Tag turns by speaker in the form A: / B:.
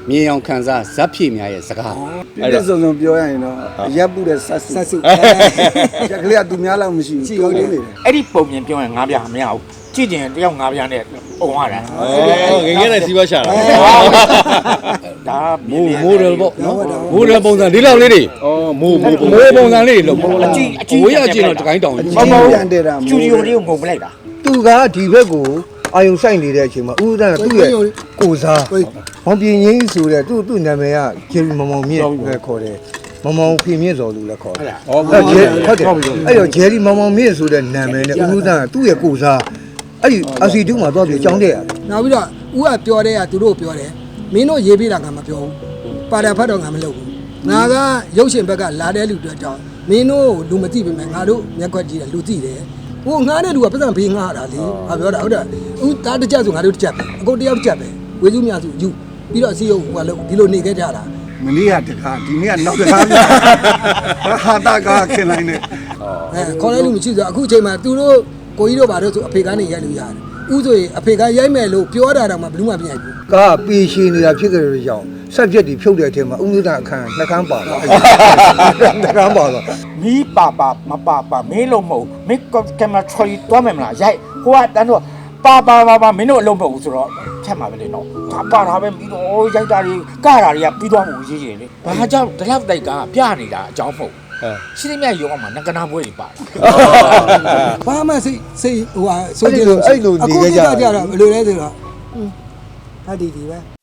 A: မြေအောင်ခံစားဇက်ဖြည့်များရဲ့စကား
B: အဲ့ဒါစုံပြောရရင်တော့ရပ်ပုတဲ့ဆက်စုရက်ကလေးကသူများလောက်မရှိဘူးဟုတ်တယ်လေ
C: အဲ့ဒီပုံမြင်ပြောရင်ငါးပြမရဘူးကြည့်ကျင်တယောက်ငါးပြနဲ့ပုံရတာ
A: ငငယ်နဲ့စီးပွားရှာတာ
C: ဒါ
A: မိုးတယ်ပေါ့နော်မိုးတယ်ပုံစံဒီလောက်လေးတွေဩမိုးပုံစံလေးလို့အကြည့်ဝေးရကြည့်တော့တကိုင်းတောင်
B: ပြန်တယ်တာ
C: စတူဒီယိုလေးကိုငုံပလိုက်တာ
D: သူကဒီဘက်ကိုအာယုံဆိုင်နေတဲ့အချိန်မှာဦးဦးတန်းကသူ့ရဲ့ကိုစားမောင်ပြင်းကြီးဆိုတဲ့သူ့နာမည်ကဂျယ်ရီမောင်မြင့်ပဲခေါ်တယ်မောင်ဖေမြင့်စော်လူလည်းခေါ်တယ်ဟုတ်တယ်အဲ့တော့ဂျယ်ရီမောင်မြင့်ဆိုတဲ့နာမည်နဲ့ဦးဦးတန်းကသူ့ရဲ့ကိုစားအဲ့ဒီအစီတူးမှာသွားပြီးအကြောင်းတဲ့ရတယ်
E: နောက်ပြီးတော့ဦးကပြောတဲ့ကသူတို့ပြောတယ်မင်းတို့ရေးပြတာကမပြောဘူးပါတာဖတ်တော့ငါမလုပ်ဘူးငါကရုပ်ရှင်ဘက်ကလာတဲ့လူတွေအကြောင်းမင်းတို့လူမသိပေမဲ့ငါတို့မျက်ခွက်ကြည့်တယ်လူသိတယ်ဟိုငါးတဲ့လူကပတ်စံဖေးငါတာလေငါပြောတာဟုတ်တယ်ဦးတားတစ်ချက်ဆိုငါတို့တစ်ချက်ပဲအကုန်တယောက်တစ်ချက်ပဲဝေစုမြစုယူပြီးတော့စီယုံဟိုကလို့ဒီလိုနေခဲ့ကြတာ
B: မလေးကတခါဒီနေ့ကနောက်တခါဟာတာကခင်လိုက်နေ
E: ခေါ်လိုက်လို့မရှိဆိုအခုအချိန်မှာသူတို့ကိုကြီးတို့ဘာလို့ဆိုအဖေကနေရိုက်လို့ရတယ်ဦးဆိုရင်အဖေကရိုက်မယ်လို့ပြောတာတော့မှဘယ်သူမှမရိုက်ဘူး
D: ကားပေရှင်နေတာဖြစ်ကြတဲ့ကြောင့်ဆက်ပြက်ဒီဖြုတ်တဲ့အချိန်မှာဦးဦးတန်းအခန်းနှကန်းပါတော့နှကန်းပါတော့
C: မီးပါမင်းလုံးမဟုတ်မင်းကင်မရာထရီတွားမယ်မလားရိုက်ဟိုကတန်းတော့ပါမင်းတို့အလုံးမဟုတ်ဘူးဆိုတော့ဖြတ်မှာပဲလေနော်ဒါပါတာပဲပြီးတော့ရိုက်တာတွေကတာတွေကပြီးသွားမှုရေးတယ်လေဘာကြောင့်ဒီလောက်တိုက်ကပြနေတာအကြောင်းမဟုတ်ရှင်းမြရုံအောင်မှာငကနာပွဲတွေပါတာ
E: ဘာမှစိတ်ဟိုဟာဆိုကြည့်လို့
D: အဲ့လိုနေကြကြ
E: အခုကြတော့ဘယ်လိုလဲဆိုတော့ဟာဒီပဲ